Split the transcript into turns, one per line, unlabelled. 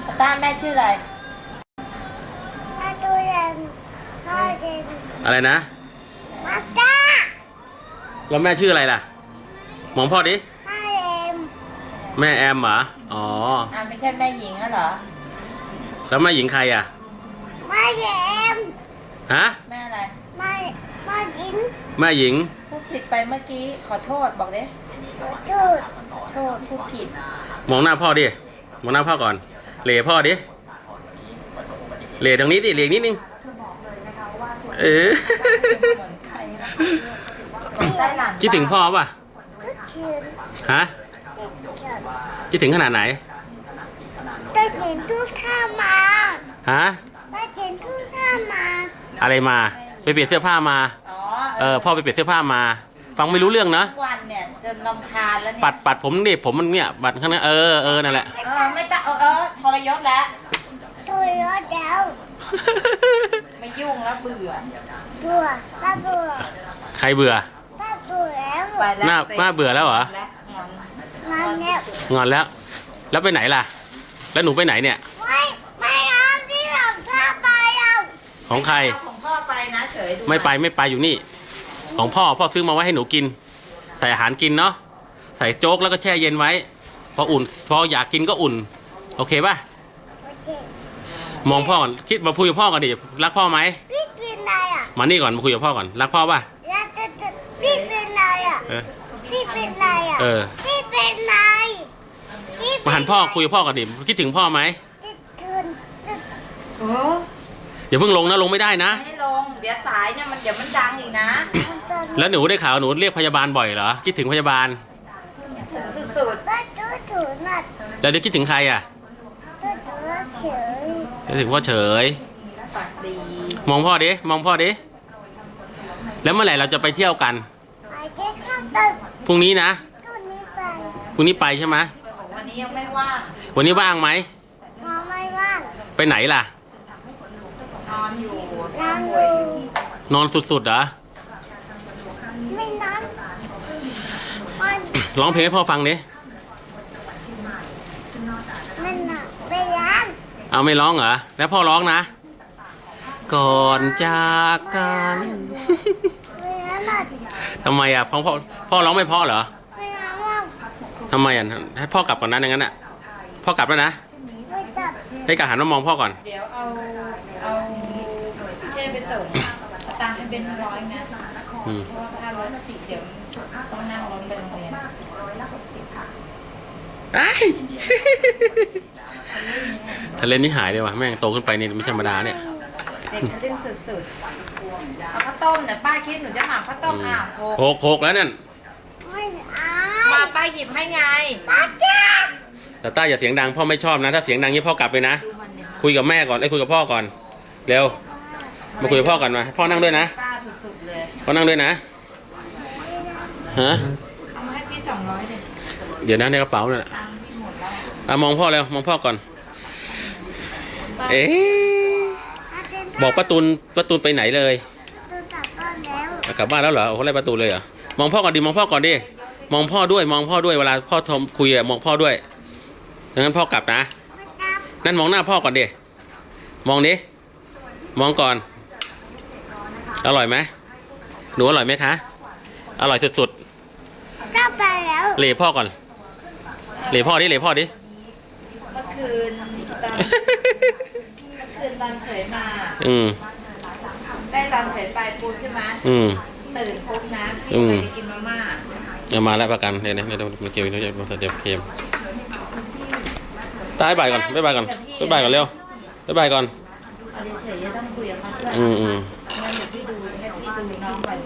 ต้าแม่ชื่ออะไร
อะไรนะ
มาจ้า
แล้วแม่ชื่ออะไรล่ะมองพ่อดิ
มาเอ็ม
แม่แอมเหรออ๋อ
ไม่ใช่แม่หญิงแล้วเหรอ
แล้วแม่หญิงใครอ่ะ
มาเอ็ม
ฮะ
แม่อะไร
มาหญิง
แม่หญิง
พูดผิดไปเมื่อกี้ขอโทษบอกดิ
จูด
โทษพูดผิด
มองหน้าพ่อดิมองหน้าพ่อก่อนเหล่พ่อดิเหล่ตรงนี้ดิเหล่นิดนึงคิดถึงพ่อป่ะฮะคิดถึงขนาดไหน
ได้เห็นทุกข้ามา
ฮะ
ได้เห็นทุกข้ามา
อะไรมาไปเปลี่ยนเสื้อผ้ามาพ่อไปเปลี่ยนเสื้อผ้ามาฟังไม่รู้เรื่องนะ
วันเนี่ยจนรำคาญแล้วเนี่ย
ปัดผมนี่ผมมันเนี่ยบัดข้างนั้นนั่นแหละ
ไม่ต้องทรยศแล้ว
ทรยศแล้ว
ไม่ยุ่งแล้วเบื่อ
ป้าเบื่อ
ใครเบื่อ
ป้าเบื่อแล้ว
หน้าเบื่อแล้วเหรอ
งอนแล้ว
แล้วไปไหนล่ะแล้วหนูไปไหนเนี่ย
ไม่เอาที่หลงท่าไปเอา
ของใคร
ของพ่อไปนะเฉย
ไม่ไปอยู่นี่ของพ่อซื้อมาไว้ให้หนูกินใส่อาหารกินเนาะใส่โจ๊กแล้วก็แช่เย็นไว้พออยากกินก็อุ่นโอเคป่ะมองพ่อก่อนคิดมาคุยกับพ่อก่อนดิรักพ่อไหม
พี่เป็นไรอ่ะ
มานี่ก่อนมาคุยกับพ่อก่อนรักพ่อป่ะ
พี่เป็นไรอ่ะพี่เป็นไรอ่ะพี่เป็นไร
มาหันพ่อคุยกับพ่อก่อนดิคิดถึงพ่อไหมอย่าเพิ่งลงนะลงไม่ได้นะ
ให้ลงเดี๋ยวสายเนี่ยเดี๋ยวมันดังอีกนะ
แล้วหนูได้ข่าวหนูเรียกพยาบาลบ่อยเหรอคิดถึงพยาบาล
สุด
แล้วเดี๋ยวคิดถึงใครอ่ะคิดถึงพ่อเฉยมองพ่อดิแล้วเมื่อไหร่เราจะไปเที่ยวกันพรุ่งนี้นะพรุ่งนี้ไปใช่ไหม
วันนี้ยังไม่ว่าง
วันนี้ว่างไหม
ไม่ว่าง
ไปไหนล่ะ
นอนอยู่
นอนสุดๆเหรอ
ไม่นอน
ร้องเพลงให้พ่อฟังดิ
ไม่ร้อง
เอาไม่ร้องเหรอแล้วพ่อร้องนะก่อนจากกันทำไมอ่ะพ่อร้องไม่เพราะเหรอทำไมอ่ะให้พ่อกลับก่อนนะอย่างนั้นอ่ะพ่อกลับแล้วนะให้กะหันมามองพ่อก่อน
เดี๋ยวเอาเช่ไปส่งตังค์เป็น100นะเพราะว่า500เดี๋ยวต้องนั่งรถไปโรงเรียน
ทะเลนี่หายเลยว่ะแม่งโตขึ้นไปนี่ไม่ธรรมดาเนี่ย
เด็กเล่นสุดๆเอาข้าวต้มเนี่ยป้าคิดหนูจะหมักข้าวต้ม
โคกแล้วเนี่ย
มาป้าหยิบให้ไง
แต่ต้าอย่าเสียงดังพ่อไม่ชอบนะถ้าเสียงดังนี้พ่อกลับไปนะคุยกับแม่ก่อนคุยกับพ่อก่อนเร็วมาคุยกับพ่อก่อนมาพ่อนั่งด้วยนะพ่อนั่งด้วยนะฮะ
เอามาให้พี่200เลย
เดี๋ยวนะในกระเป๋าเนี่ยมองพ่อแล้วมองพ่อก่อนบอกป้าตูนไปไหนเลยกลับบ้านแล้วเหรอโอ้โหอะไรป้าตูนเลยเหรอมองพ่อก่อนดิมองพ่อก่อนดิมองพ่อด้วยเวลาพ่อทอมคุยอะมองพ่อด้วยดังนั้นพ่อกลับนะนั่นมองหน้าพ่อก่อนดิมองดิมองก่อนอร่อยไหมหนูอร่อยไหมคะอร่อยสุด
ๆก็ไปแล้ว
เหล่พ่อก่อนเหล่พ่อดิ
เมื่อคืนตอนเฉยมาได้ตอนเฉยไปปูใช่ไหมตื่นปุ๊บนะพี่ไปกินมาม่า
มาแล้วประกันเนี่ยมันเกี่ยวกับมันเดี๋ยวเค็มตายบ่ายก่อนบ๊ายบายก่อนเร็วบ๊ายบายก่อน
เฉยๆต้องคุยกับเขาใช่ไหมงั้นเดี๋ยวพี่ดูน้องก่อน